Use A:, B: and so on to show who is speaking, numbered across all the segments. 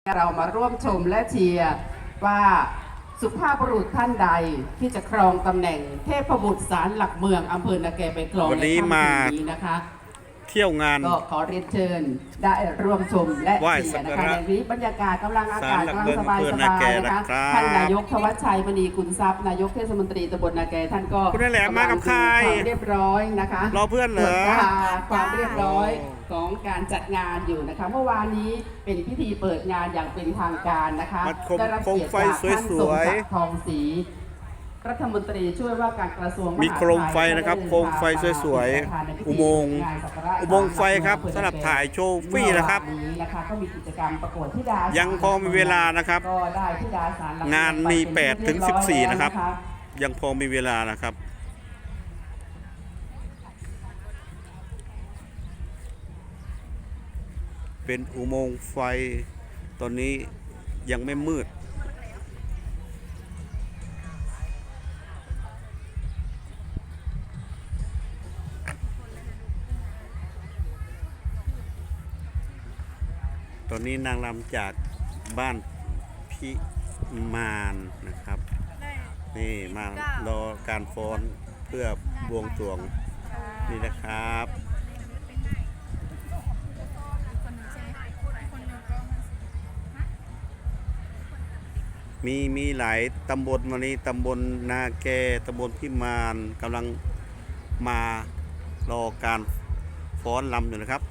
A: เรามาร่วมชมและเชียร์ว่าสุภาพบุรุษท่านใดที่จะครองตำแหน่งเทพบุตรศาลหลักเมืองอำเภอนาแกไปครองในค่ำคืนนี้นะคะ
B: เที่ยวงาน
A: ก็ขอเรียนเชิญได้ร่วมชมและเชียร์นะคะในนี้บรรยากาศกำลังอากาศกำลังสบายนะคะท่านนายกธวัชชัยมณีกุลทรัพย์นายกเทศมนตรีตำบลนาแกท่านก็
B: คุณนั่นแหละมากับใคร
A: เรียบร้อยนะคะ
B: รอเพื่อนเหรอ
A: ความเรียบร้อยของการจัดงานอยู่นะคะเมื่อวานนี้เป็นพิธีเปิดงานอย่างเป็นทางการนะคะได้รับเกียรติจากท่านสมศักดิ์ทองศรีรัฐมนตรีช่วยว่าการกระทรวง
B: มีโคมไฟนะครับโคมไฟสวยๆอุโมงค์ไฟครับสำหรับถ่ายโชว์ฟรีนะครับ
A: ก็มีกิจกรรมประกวดธิดา
B: ยังพอมีเวลานะครับงานมี8 ถึง 14นะครับยังพอมีเวลานะครับเป็นอุโมงค์ไฟตอนนี้ยังไม่มืดตอนนี้นางรำจากบ้านพิมานนะครับนี่มารอการฟ้อนเพื่อบวงสรวงนี่นะครับมีหลายตำบลวันนี้ตำบลนาแกตำบลพิมานกำลังมารอการฟ้อนรำอยู่นะครับ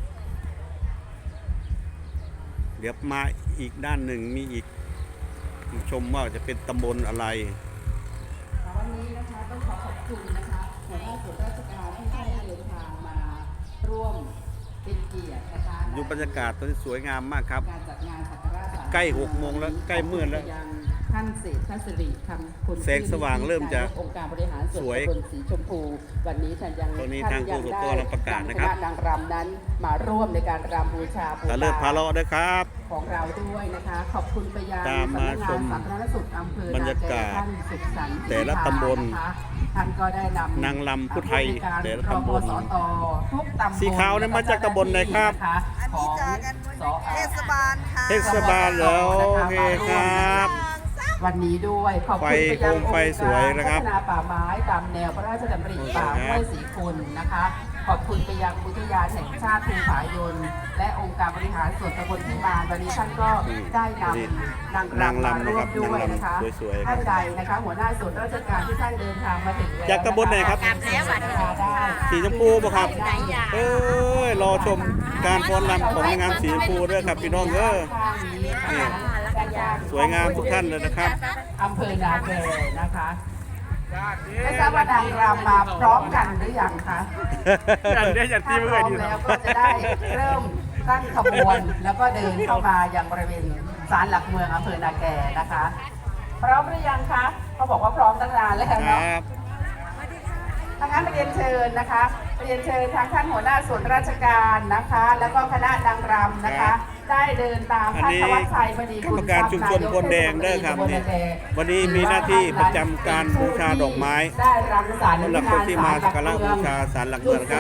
B: เดี๋ยวมาอีกด้านหนึ่งมีอีกชมว่าจะเป็นตำบลอะไร
A: วันนี้นะคะต้องขอบคุณนะคะหัวหน้าส่วนราชการที่ได้เดินทางมาร่วมเป็นเกียรตินะคะ
B: ดูบรรยากาศตอนนี้สวยงามมากครับ
A: การจัดงานสักการะ
B: ใกล้6 โมงแล้วใกล้มืดแล้ว
A: ท่านเศรษฐศิริคำคุณ
B: แสงสว่างเริ่มจะ
A: องค์การบริหารส่วนตำบลสีชมพูวันนี้ท่านยัง
B: ทางผู้สกรประกาศนะครับ
A: นางรำนั้นมาร่วมในการรำบูชา
B: ตะเลิศพาเลาะด้วยครับ
A: ของเราด้วยนะคะขอบคุณไปยัง
B: ตามมาชม
A: สาธารณสุขอำเภอบ
B: รรยากาศแต่ละตำบล
A: ท่านก็ได้นำ
B: นางรำผู้ไทยแต่ละตำบล
A: ทุกตำบล
B: สีขาวนั้นมาจากตำบลไหนครับ
A: ของ
C: เทศบาลค่ะ
B: เทศบาลแล้วโอเคครับ
A: วันนี้ด้วยขอบคุณไปยังองค์การพัฒนาป่าไม้ตามแนวพระราชดำริป่าห้วยศรีคุณนะคะขอบคุณไปยังอุทยานแห่งชาติภูผายนและองค์การบริหารส่วนตำบลพิมานวันนี้ท่านก็ได้นำนางรำมาร่วมด้วยนะคะท่านใดนะคะหัวหน้าส่วนราชการที่ท่านเดินทางมาถึง
B: จากตำบลไหนครับสีชมพูป่ะครับรอชมการฟ้อนรำของงานสีชมพูด้วยครับพี่น้องนี่สวยงามทุกท่านเลยนะครับ
A: อำเภอนาแกนะคะไม่ทราบว่านางรำมาพร้อมกันหรือยังคะ
B: อย่างที่เมื่อกี้
A: แล้วก็จะได้เริ่มตั้งขบวนแล้วก็เดินเข้ามายังบริเวณศาลหลักเมืองอำเภอนาแกนะคะพร้อมหรือยังคะเขาบอกว่าพร้อมตั้งนานแล้วเนาะทางนั้นเรียนเชิญนะคะเรียนเชิญทางท่านหัวหน้าส่วนราชการนะคะแล้วก็คณะนางรำนะคะได้เดินตามท่านธวัชชัยมณีกุลทรัพย์
B: ชุมชนคนแดงได้ครับวันนี้มีหน้าที่ประจำการบูชาดอกไม้
A: ได้รำสาร
B: สำหรับคนที่มาสักการะบูชาศาลหลักเมืองครับ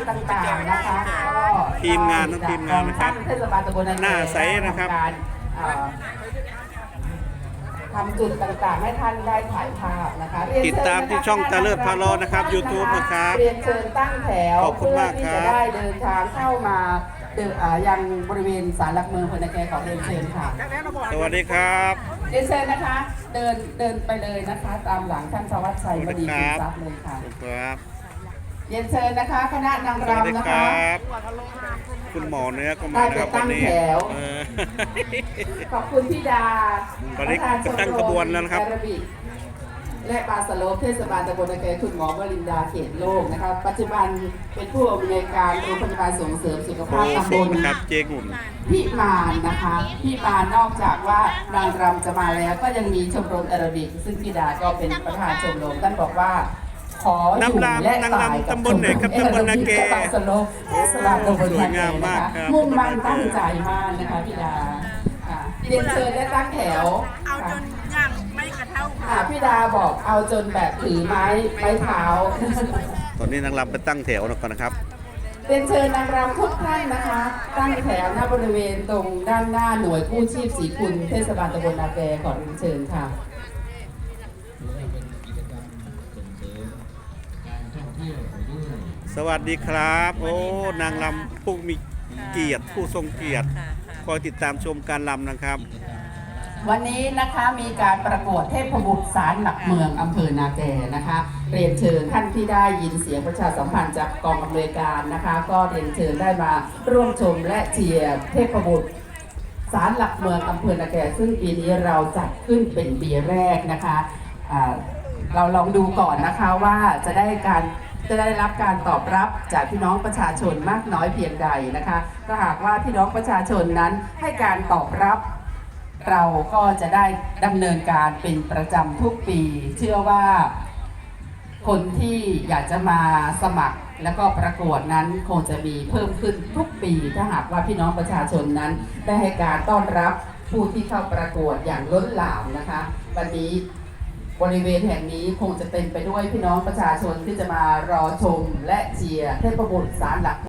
B: ทีมงานทั้งทีมงานนะครับหน้าใสนะครับ
A: ทำจุดต่างๆให้ท่านได้ถ่ายภาพนะคะ
B: ติดตามที่ช่องตะเลิศพาเลาะนะครับ YouTube นะครับ
A: เรียนเชิญตั้งแถว
B: ขอบคุณมากครับ
A: เพื่อที่จะได้เดินทางเข้ามายังบริเวณศาลหลักเมืองอำเภอนาแกของเรียนเชิญค่ะ
B: สวัสดีครับ
A: เรียนเชิญนะคะเดินไปเลยนะคะตามหลังท่านธวัชชัยมณีกุลทรัพย์เลยค่ะ
B: ครับ
A: เรียนเชิญนะคะคณะนางรำนะคะ
B: คุณหมอเนื้อก็มานะครับวันนี้
A: ขอบคุณพี่ดา
B: ตอนนี้ตั้งขบวนแล้วนะครับ
A: และปาสโลเทศบาลตำบลนาแกคุณหมอวรินดาเขตโลกนะคะปัจจุบันเป็นผู้อำนวยการโรงพยาบาลส่งเสริมสุขภาพตำบลพิมานนะคะพิมานนอกจากว่านางรำจะมาแล้วก็ยังมีชมรมแอโรบิกซึ่งพี่ดาก็เป็นประธานชมรมท่านบอกว่าขออยู่และตายกับชมรมแอโรบิกปาสโลเทศบาลตำบลนาแกนะคะมุ่งมั่นตั้งใจมากนะคะพี่ดาเรียนเชิญและตั้งแถว
C: เอาจนยังไม่กระเท่า
A: พี่ดาบอกเอาจนแบบถือไม้เท้า
B: ตอนนี้นางรำไปตั้งแถวก่อนนะครับ
A: เรียนเชิญนางรำทุกท่านนะคะ ตั้งแถวหน้าบริเวณตรงด้านหน้าหน่วยกู้ชีพศรีคุณเทศบาลตำบลนาแกขอเรียนเชิญค่ะ
B: สวัสดีครับโอ้นางรำผู้มีเกียรติผู้ทรงเกียรติคอยติดตามชมการรำนะครับ
A: วันนี้นะคะมีการประกวดเทพบุตรศาลหลักเมืองอำเภอนาแกนะคะ เรียนเชิญท่านที่ได้ยินเสียงประชาสัมพันธ์จากกองอำนวยการนะคะ ก็เรียนเชิญได้มาร่วมชมและเชียร์เทพบุตรศาลหลักเมืองอำเภอนาแกซึ่งปีนี้เราจัดขึ้นเป็นปีแรกนะคะเราลองดูก่อนนะคะว่าจะได้รับการตอบรับจากพี่น้องประชาชนมากน้อยเพียงใดนะคะถ้าหากว่าพี่น้องประชาชนนั้นให้การตอบรับเราก็จะได้ดำเนินการเป็นประจำทุกปีเชื่อว่าคนที่อยากจะมาสมัครแล้วก็ประกวดนั้นคงจะมีเพิ่มขึ้นทุกปีถ้าหากว่าพี่น้องประชาชนนั้นได้ให้การต้อนรับผู้ที่เข้าประกวดอย่างล้นหลามนะคะวันนี้บริเวณแห่งนี้คงจะเต็มไปด้วยพี่น้องประชาชนที่จะมารอชมและเชียร์เทพบุตรศาลหลัก